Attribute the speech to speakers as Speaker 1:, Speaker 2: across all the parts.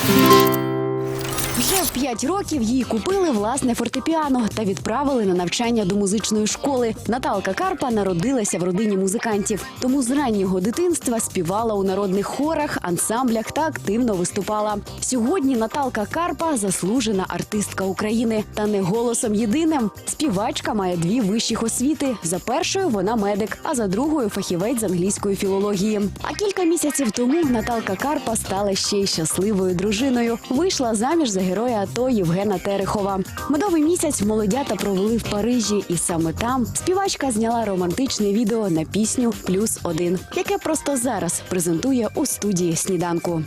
Speaker 1: Вже в 5 років їй купили власне фортепіано та відправили на навчання до музичної школи. Наталка Карпа народилася в родині музикантів, тому з раннього дитинства співала у народних хорах, ансамблях та активно виступала. Сьогодні Наталка Карпа – заслужена артистка України. Та не голосом єдиним. Співачка має 2 вищих освіти. За першою вона медик, а за другою – фахівець з англійської філології. А кілька місяців тому Наталка Карпа стала ще й щасливою дружиною. Вийшла заміж за героя АТО Євгена Терехова. Медовий місяць молодята провели в Парижі, і саме там співачка зняла романтичне відео на пісню «+1», яке просто зараз презентує у студії «Сніданку».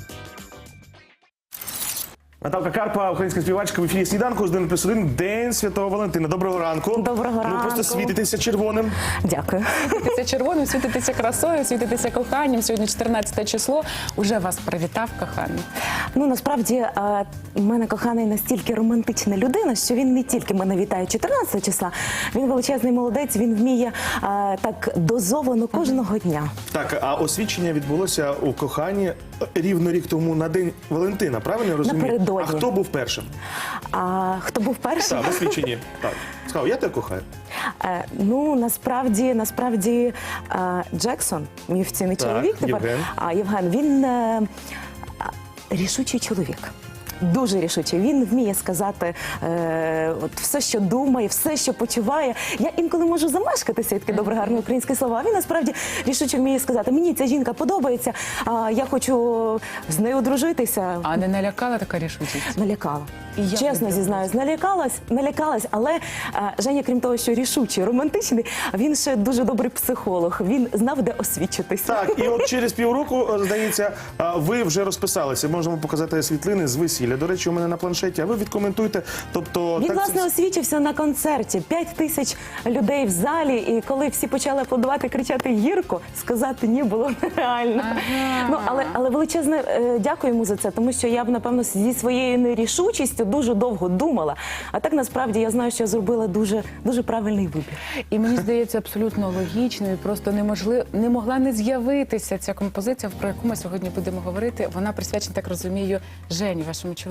Speaker 2: Наталка Карпа, українська співачка, в ефірі «Сніданку» з 1+1, День Святого Валентина. Доброго ранку.
Speaker 3: Доброго ранку.
Speaker 2: Ви просто світитеся червоним.
Speaker 3: Дякую.
Speaker 4: Світитися червоним, світитися красою, світитися коханням. Сьогодні 14 число. Уже вас привітав коханий.
Speaker 3: Ну, насправді, в мене коханий настільки романтична людина, що він не тільки мене вітає 14 числа, він величезний молодець, він вміє так дозовано кожного дня.
Speaker 2: Так, а освідчення відбулося у коханні рівно рік тому на День Валентина, правильно я розумію?
Speaker 3: Напередодні.
Speaker 2: А хто був першим?
Speaker 3: А хто був першим?
Speaker 2: Так, в освідченні. Так. Сказав, я тебе кохаю.
Speaker 3: Ну, насправді, Джексон, мій офіційний чоловік тепер, Євген, він рішучий чоловік. Дуже рішучий. Він вміє сказати все, що думає, все, що почуває. Я інколи можу замешкатися, таке добре, гарне українське слово, а він насправді рішуче вміє сказати, мені ця жінка подобається, я хочу з нею одружитися.
Speaker 4: А не налякала така рішучість?
Speaker 3: Налякала.
Speaker 4: Я
Speaker 3: Чесно зізнаюсь, налякалась, але Женя, крім того, що рішучий, романтичний, він ще дуже добрий психолог, він знав, де освідчитися.
Speaker 2: Так, і от через півроку, здається, ви вже розписалися. Можемо показати світлини з весілля. До речі, у мене на планшеті, а ви відкоментуйте. Тобто,
Speaker 3: Він, власне, освічився на концерті. 5000 людей в залі, і коли всі почали аплодувати, кричати «Гірко», сказати «ні» було нереально. Ну, але величезне дякую йому за це, тому що я б, напевно, зі своєю нерішучістю дуже довго думала. А так, насправді, я знаю, що я зробила дуже правильний вибір.
Speaker 4: І мені здається, абсолютно логічною, просто не могла не з'явитися ця композиція, про яку ми сьогодні будемо говорити. Вона присвячена, так розумію, Жені, вашому чоловіку.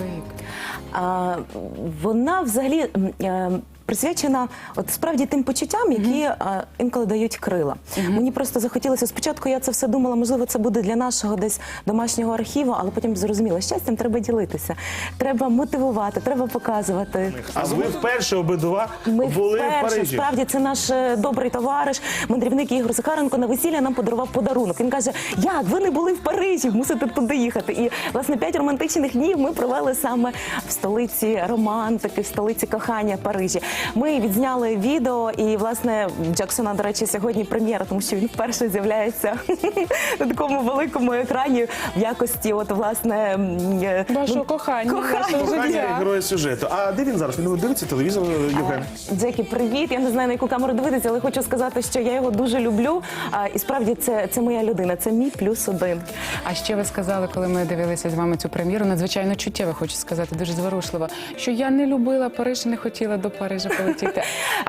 Speaker 3: Вона взагалі присвячена от справді тим почуттям, які інколи дають крила. Мені просто захотілося, спочатку я це все думала, можливо, це буде для нашого десь домашнього архіву, але потім зрозуміла, щастям треба ділитися, треба мотивувати, треба показувати.
Speaker 2: А ви вперше обидва були в Парижі?
Speaker 3: Справді, це наш добрий товариш, мандрівник Ігор Захаренко на весілля нам подарував подарунок. Він каже, як, ви не були в Парижі, мусите туди їхати. І, власне, 5 романтичних днів ми провели саме в столиці романтики, в столиці кохання Парижі. Ми відзняли відео, і, власне, Джексона, до речі, сьогодні прем'єра, тому що він вперше з'являється на такому великому екрані в якості, от, власне...
Speaker 4: Вашого кохання.
Speaker 2: Кохання героя сюжету. А де він зараз? Він дивиться телевізор, Євген?
Speaker 3: Джекі, привіт. Я не знаю, на яку камеру дивитися, але хочу сказати, що я його дуже люблю. І справді це моя людина, це мій +1.
Speaker 4: А ще ви сказали, коли ми дивилися з вами цю прем'єру, надзвичайно чуттєво, хочу сказати, дуже зворушливо, що я не любила Париж, не хотіла до Парижа полетіти.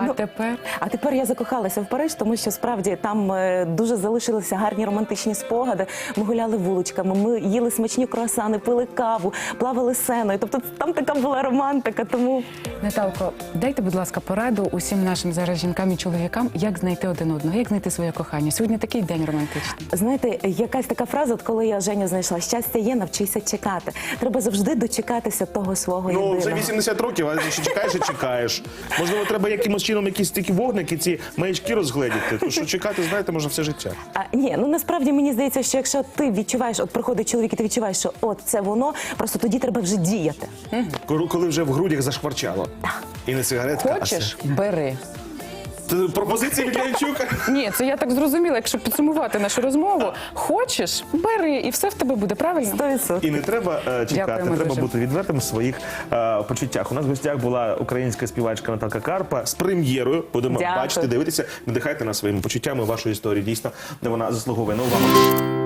Speaker 4: А
Speaker 3: тепер я закохалася в Париж, тому що справді там дуже залишилися гарні романтичні спогади. Ми гуляли вуличками, ми їли смачні круасани, пили каву, плавали сеною. Тобто там така була романтика, тому...
Speaker 4: Наталко, дайте, будь ласка, пораду усім нашим зараз жінкам і чоловікам, як знайти один одного, як знайти своє кохання. Сьогодні такий день романтичний.
Speaker 3: Знаєте, якась така фраза, от коли я Женю знайшла, щастя є, навчися чекати. Треба завжди дочекатися того свого єдиного.
Speaker 2: Ну, вже 80 років, а ще чекаєш і чекаєш. Можливо, треба якимось чином якісь такі вогники, ці маячки розгледіти. Тому що чекати, знаєте, можна все життя.
Speaker 3: Ні, ну насправді мені здається, що якщо ти відчуваєш, от приходить чоловік і ти відчуваєш, що от це воно, просто тоді треба вже діяти.
Speaker 2: Коли вже в грудях зашкварчало.
Speaker 3: Так.
Speaker 2: І не сигаретка,
Speaker 4: Хочеш? Бери.
Speaker 2: Пропозиції від Янчука?
Speaker 4: Ні, це я так зрозуміла, якщо підсумувати нашу розмову. Хочеш? Бери, і все в тебе буде, правильно?
Speaker 3: 100%.
Speaker 2: І не треба чекати,
Speaker 4: Дякуємо
Speaker 2: треба
Speaker 4: дуже.
Speaker 2: бути відвертим в своїх почуттях. У нас в гостях була українська співачка Наталка Карпа з прем'єрою. Будемо
Speaker 3: Дякую.
Speaker 2: бачити, дивитися, надихайте нас своїми почуттями вашу історію. Дійсно, де вона заслуговує на увагу.